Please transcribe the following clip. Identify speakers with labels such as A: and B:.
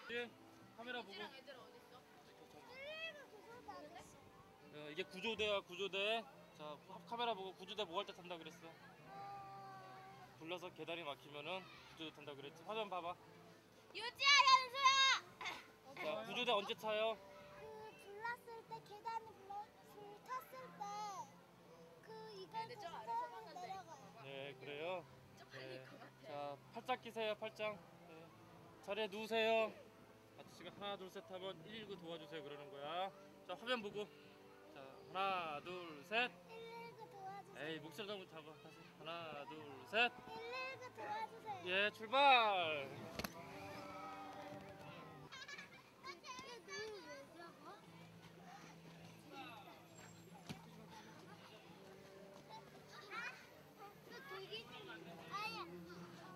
A: 예, 카메라 보고.
B: 애들랑 애들 어딨어?
A: 이게 구조대야, 구조대. 자, 카메라 보고 구조대 뭐 할 때 탄다 그랬어? 불러서 계단이 막히면은 구조대 탄다 그랬지. 화면 봐봐.
B: 유지야, 현수야.
A: 자, 구조대 언제 타요?
C: 불났을 때 계단이 불 탔을 때 이걸
B: 근데 저 아래
C: 타고
B: 서봤는데.
C: 내려가요.
A: 네, 그래요.
B: 좀 빨릴 것 같아.
A: 자, 팔짱 끼세요, 팔짱. 네. 자리에 누우세요. 아저씨가 하나, 둘, 셋 하면 119 도와주세요 그러는 거야. 자, 화면 보고. 자, 하나, 둘, 셋.
C: 119 도와주세요.
A: 에이, 목소리 너무 잡아. 다시. 하나, 둘, 셋.
C: 119 도와주세요.
A: 예, 출발.